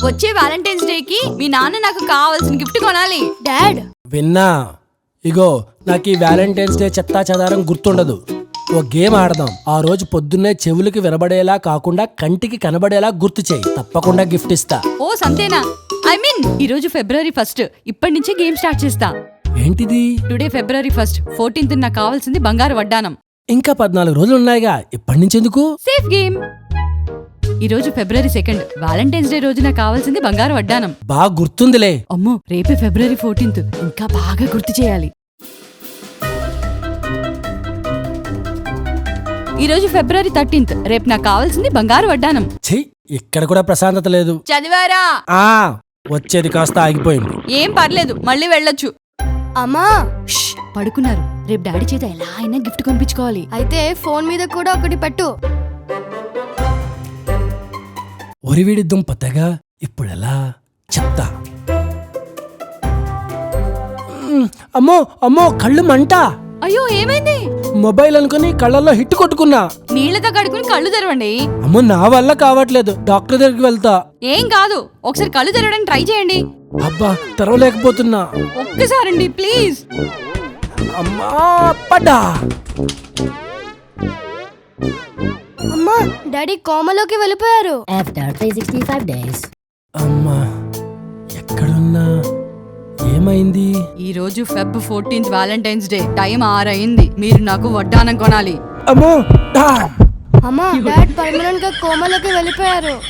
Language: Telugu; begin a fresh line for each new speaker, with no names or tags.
వచ్చే వ్యాలంటైన్స్ డే కి మీ నాన్న నాకు కావాల్సిన గిఫ్ట్ కొనాలి. డాడ్
విన్నా? ఇగో నాకు ఈ వ్యాలంటైన్స్ డే చెత్తా చెదారం గుర్తుండదు. ఓ గేమ్ ఆడదాం. ఆ రోజు పొద్దున్నే చెవులకి వినబడేలా కాకుండా కంటికి కనబడేలా గుర్తు చేయి. తప్పకుండా గిఫ్ట్ ఇస్తా.
ఓ సంతేనా? ఐ మీన్ ఈ రోజు February 1st. ఇప్పటి నుంచే గేమ్ స్టార్ట్ చేస్తా.
ఏంటిది?
Today February 1st. 14th నాకు కావాల్సింది బంగారు వడ్డానం.
ఇంకా 14 రోజులు ఉన్నాయిగా, ఇప్పటి నుంచి ఎందుకు?
Safe game. ఈ రోజు February 2nd. వ్యాలంటైన్స్ డే రోజు నాకు కావాల్సింది బంగారు వడ్డానం.
బాగా గుర్తుందిలే.
అమ్మో రేపే February 14th. ఇంకా బాగా గుర్తు చేయాలి. ఈ రోజు February 13th. రేపు నాకు కావాల్సింది బంగారు వడ్డానం.
ఛీ, ఇక్కడ కూడా ప్రశాంతత లేదు.
చదివారా?
వచ్చేది కాస్త ఆగిపోయింది.
ఏం పర్లేదు, మళ్ళీ వెళ్ళొచ్చు.
అమ్మా
పడుకున్నారు. రేపు డాడీ చేత ఎలా అయినా గిఫ్ట్ కొనిపించుకోవాలి.
అయితే ఫోన్ మీద కూడా ఒకటి పెట్టు.
ఒరివిడి దుంపతగా ఇప్పుడెలా చెప్తా. అమ్మో అమ్మో, కళ్ళు మంట.
అయ్యో ఏమైంది?
మొబైల్ అనుకుని కళ్ళల్లో హిట్ కొట్టుకున్నా.
నీళ్లతో కడుకుని కళ్ళు తెరవండి.
అమ్మో, నా వల్ల కావట్లేదు. డాక్టర్ దగ్గరికి వెళ్తా.
ఏం కాదు, ఒకసారి కళ్ళు తెరవడానికి ట్రై చేయండి.
అబ్బా, తెరవలేకపోతున్నా.
ఒక్కసారండి ప్లీజ్.
అమ్మా, పడ్డా.
అమ్మా డాడీ కోమలోకి వెళ్ళిపోయారు.
After 365 days.
అమ్మా, ఎక్కడున్నా? ఏమైంది?
ఈ రోజు Feb 14th Valentine's day. Time 6 అయింది. మీరు నాకు వడ్డానం కొనాలి.
అమ్మో,
అమ్మా డాడ్ పర్మనెంట్ గా కోమలోకి వెళ్ళిపోయారు.